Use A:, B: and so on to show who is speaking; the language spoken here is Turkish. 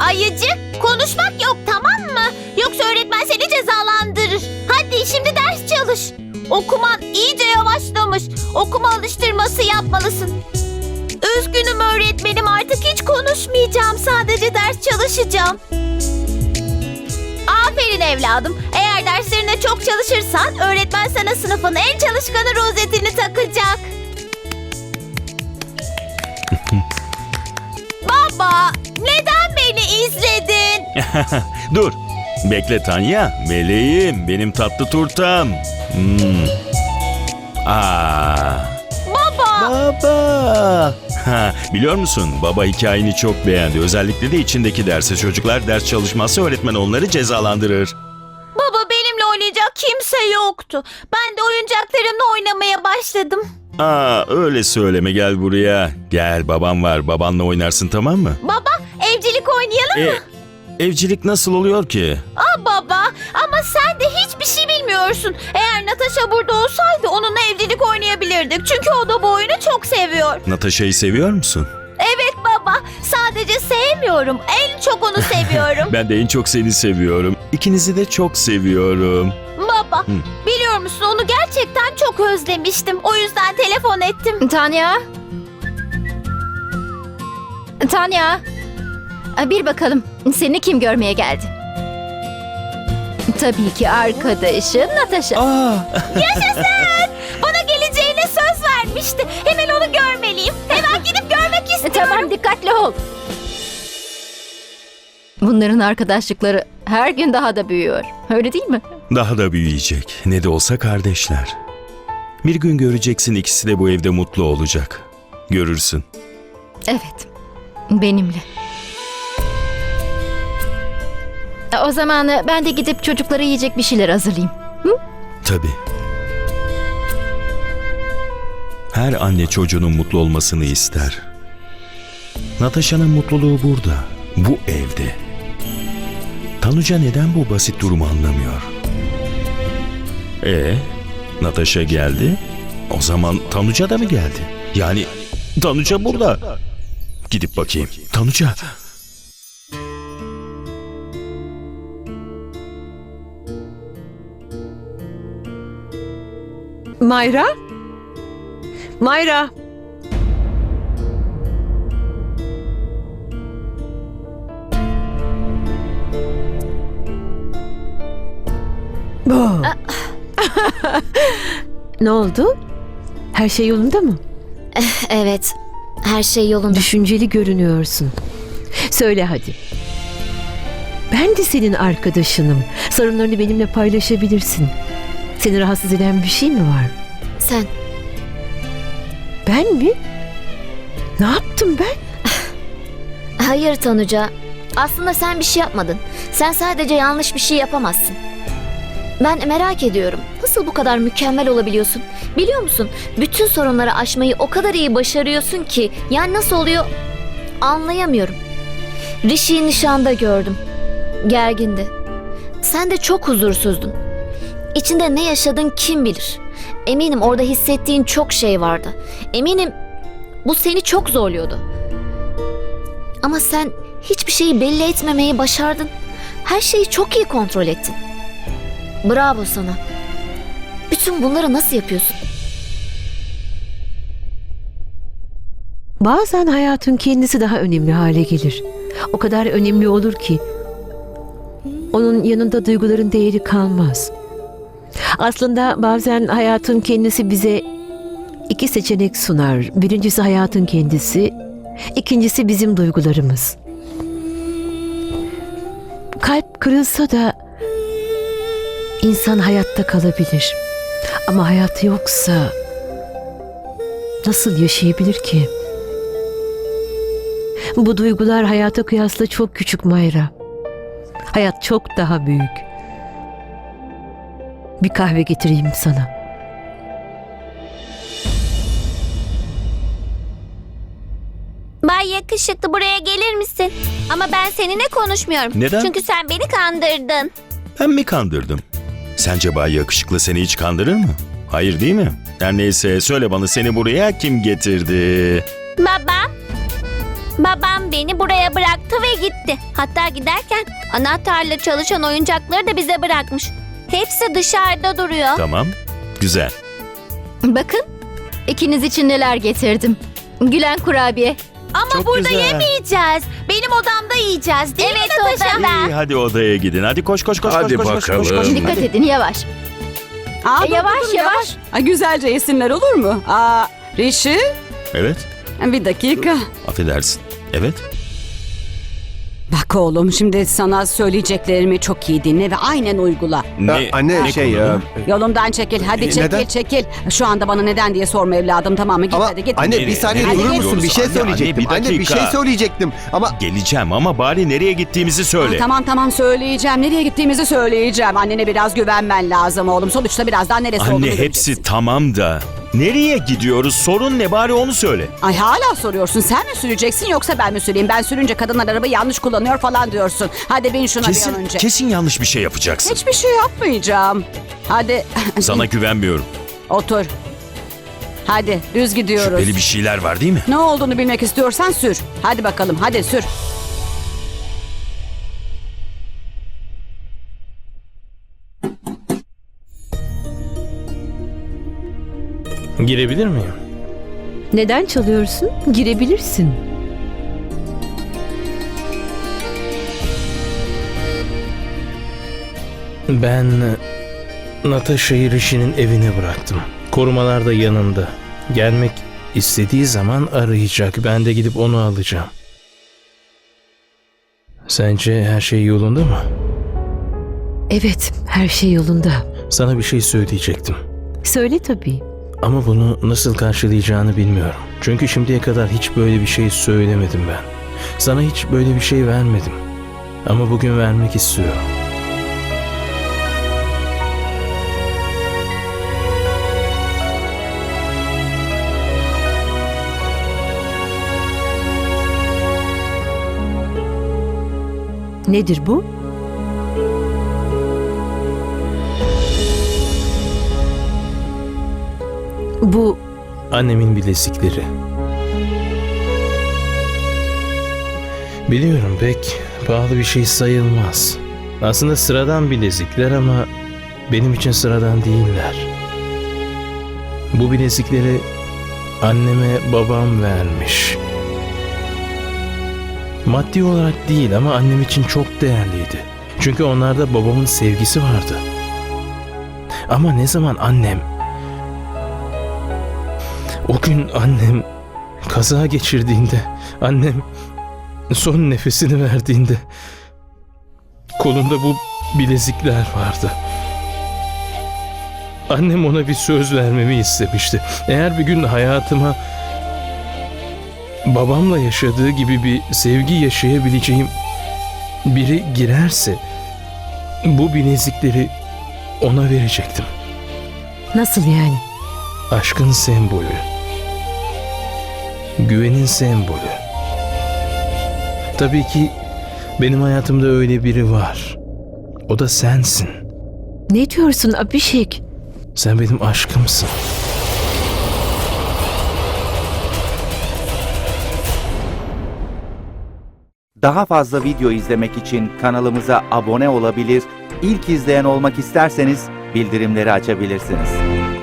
A: Ayıcık, konuşmak yok, tamam mı? Yoksa öğretmen seni cezalandırır. Hadi şimdi ders çalış. Okuman iyice yavaşlamış. Okuma alıştırması yapmalısın. Üzgünüm öğretmenim, artık hiç konuşmayacağım. Sadece ders çalışacağım. Aferin evladım. Eğer derslerine çok çalışırsan öğretmen sana sınıfın en çalışkanı rozetini takacak. Baba, neden beni izledin?
B: Dur. Bekle Tanya. Meleğim. Benim tatlı turtam.
A: Baba.
B: Baba. Ha, biliyor musun? Baba hikayeni çok beğendi. Özellikle de içindeki derse. Çocuklar ders çalışmazsa öğretmen onları cezalandırır.
A: Baba, benimle oynayacak kimse yoktu. Ben de oyuncaklarımla oynamaya başladım.
B: Öyle söyleme, gel buraya. Gel, babam var. Babanla oynarsın, tamam mı?
A: Baba, evcilik oynayalım mı?
B: Evcilik nasıl oluyor ki?
A: Baba, ama sen de hiçbir şey bilmiyorsun. Eğer Natasha burada olsaydı onunla evcilik oynayabilirdik. Çünkü o da bu oyunu çok seviyor.
B: Natasha'yı seviyor musun?
A: Evet baba, sadece sevmiyorum. En çok onu seviyorum.
B: Ben de en çok seni seviyorum. İkinizi de çok seviyorum.
A: Baba, biliyor musun, onu gerçekten çok özlemiştim. O yüzden telefon ettim.
C: Tanya? Tanya? Bir bakalım seni kim görmeye geldi? Tabii ki arkadaşın Natasha.
A: Yaşasın! Bana geleceğine söz vermişti. Hemen onu görmeliyim. Hemen gidip görmek istiyorum.
C: Tamam, dikkatli ol. Bunların arkadaşlıkları her gün daha da büyüyor. Öyle değil mi?
B: Daha da büyüyecek. Ne de olsa kardeşler. Bir gün göreceksin, ikisi de bu evde mutlu olacak. Görürsün.
C: Evet. Benimle. O zaman ben de gidip çocuklara yiyecek bir şeyler hazırlayayım.
B: Tabii. Her anne çocuğunun mutlu olmasını ister. Natasha'nın mutluluğu burada, bu evde. Tanuca neden bu basit durumu anlamıyor? Natasha geldi. O zaman Tanuca da mı geldi? Yani Tanuca burada. Gidip bakayım. Tanuca.
D: Mayra? Mayra! Oh. Ne oldu? Her şey yolunda mı?
A: Evet, her şey yolunda.
D: Düşünceli görünüyorsun. Söyle hadi. Ben de senin arkadaşınım. Sorunlarını benimle paylaşabilirsin. Seni rahatsız eden bir şey mi var?
A: Sen.
D: Ben mi? Ne yaptım ben?
A: Hayır Tanuca. Aslında sen bir şey yapmadın. Sen sadece yanlış bir şey yapamazsın. Ben merak ediyorum. Nasıl bu kadar mükemmel olabiliyorsun? Biliyor musun? Bütün sorunları aşmayı o kadar iyi başarıyorsun ki. Yani nasıl oluyor? Anlayamıyorum. Rishi'yi nişanda gördüm. Gergindi. Sen de çok huzursuzdun. İçinde ne yaşadın kim bilir. Eminim orada hissettiğin çok şey vardı. Eminim bu seni çok zorluyordu. Ama sen hiçbir şeyi belli etmemeyi başardın. Her şeyi çok iyi kontrol ettin. Bravo sana. Bütün bunları nasıl yapıyorsun?
D: Bazen hayatın kendisi daha önemli hale gelir. O kadar önemli olur ki onun yanında duyguların değeri kalmaz. Aslında bazen hayatın kendisi bize iki seçenek sunar. Birincisi hayatın kendisi, ikincisi bizim duygularımız. Kalp kırılsa da insan hayatta kalabilir. Ama hayat yoksa nasıl yaşayabilir ki? Bu duygular hayata kıyasla çok küçük Mayra. Hayat çok daha büyük. Bir kahve getireyim sana.
A: Bay Yakışıklı, buraya gelir misin? Ama ben seninle konuşmuyorum.
B: Neden?
A: Çünkü sen beni kandırdın.
B: Ben mi kandırdım? Sence Bay Yakışıklı seni hiç kandırır mı? Hayır değil mi? Her neyse, söyle bana, seni buraya kim getirdi?
A: Baba.
E: Babam beni buraya bıraktı ve gitti. Hatta giderken anahtarla çalışan oyuncakları da bize bırakmış. Hepsi dışarıda duruyor.
B: Tamam, güzel.
C: Bakın, ikiniz için neler getirdim. Gülen kurabiye.
E: Ama
B: Çok
E: burada
B: güzel.
E: yemeyeceğiz. Benim odamda yiyeceğiz değil mi Natasha?
B: İyi, hadi odaya gidin. Hadi koş.
F: Hadi bakalım.
C: Dikkat edin, yavaş. Yavaş, yavaş.
G: Güzelce yesinler olur mu? Rişi,
B: Evet,
G: bir dakika.
B: affedersin. Evet.
G: Bak oğlum, şimdi sana söyleyeceklerimi çok iyi dinle ve aynen uygula.
F: Anne
B: konu?
G: Yolumdan çekil, hadi çekil
F: neden?
G: çekil. Şu anda bana neden diye sorma evladım, tamam mı? Git
F: Ama
G: hadi git.
F: anne
B: Nereye?
F: bir saniye
B: Nereye
F: durur musun?
B: gidiyoruz?
F: Bir şey
B: Anne,
F: söyleyecektim.
B: anne, bir
F: Anne bir şey
B: dakika.
F: söyleyecektim ama
B: Geleceğim ama bari nereye gittiğimizi söyle.
G: Tamam söyleyeceğim. Nereye gittiğimizi söyleyeceğim. Annene biraz güvenmen lazım oğlum. Sonuçta birazdan neresi olduğunu
B: Anne
G: göreceksin.
B: hepsi tamam da nereye gidiyoruz? Sorun ne, bari onu söyle.
G: Ay hala soruyorsun. Sen mi süreceksin yoksa ben mi süreyim? Ben sürünce kadınlar arabayı yanlış kullanıyor falan diyorsun. Hadi bin şuna bir an önce.
B: Kesin yanlış bir şey yapacaksın.
G: Hiçbir şey yapmayacağım. Hadi.
B: Sana güvenmiyorum.
G: Otur. Hadi düz gidiyoruz.
B: Şüpheli bir şeyler var değil mi?
G: Ne olduğunu bilmek istiyorsan sür. Hadi bakalım hadi sür.
H: Girebilir miyim?
D: Neden çalıyorsun? Girebilirsin.
H: Ben Natasha'yı Rishi'nin evine bıraktım. Korumalar da yanında. Gelmek istediği zaman arayacak. Ben de gidip onu alacağım. Sence her şey yolunda mı?
D: Evet, her şey yolunda.
H: Sana bir şey söyleyecektim.
D: Söyle tabii.
H: Ama bunu nasıl karşılayacağını bilmiyorum. Çünkü şimdiye kadar hiç böyle bir şey söylemedim ben. Sana hiç böyle bir şey vermedim. Ama bugün vermek istiyorum.
D: Nedir bu? Bu
H: Annemin bilezikleri. Biliyorum pek pahalı bir şey sayılmaz. Aslında sıradan bilezikler ama benim için sıradan değiller. Bu bilezikleri anneme babam vermiş. Maddi olarak değil ama annem için çok değerliydi. Çünkü onlarda babamın sevgisi vardı. Ama ne zaman o gün annem kaza geçirdiğinde, annem son nefesini verdiğinde kolunda bu bilezikler vardı. Annem ona bir söz vermemi istemişti. Eğer bir gün hayatıma babamla yaşadığı gibi bir sevgi yaşayabileceğim biri girerse bu bilezikleri ona verecektim.
D: nasıl yani?
H: Aşkın sembolü. Güvenin sembolü. Tabii ki benim hayatımda öyle biri var. O da sensin.
D: Ne diyorsun Abhishek?
H: Sen benim aşkımsın.
I: Daha fazla video izlemek için kanalımıza abone olabilir, ilk izleyen olmak isterseniz bildirimleri açabilirsiniz.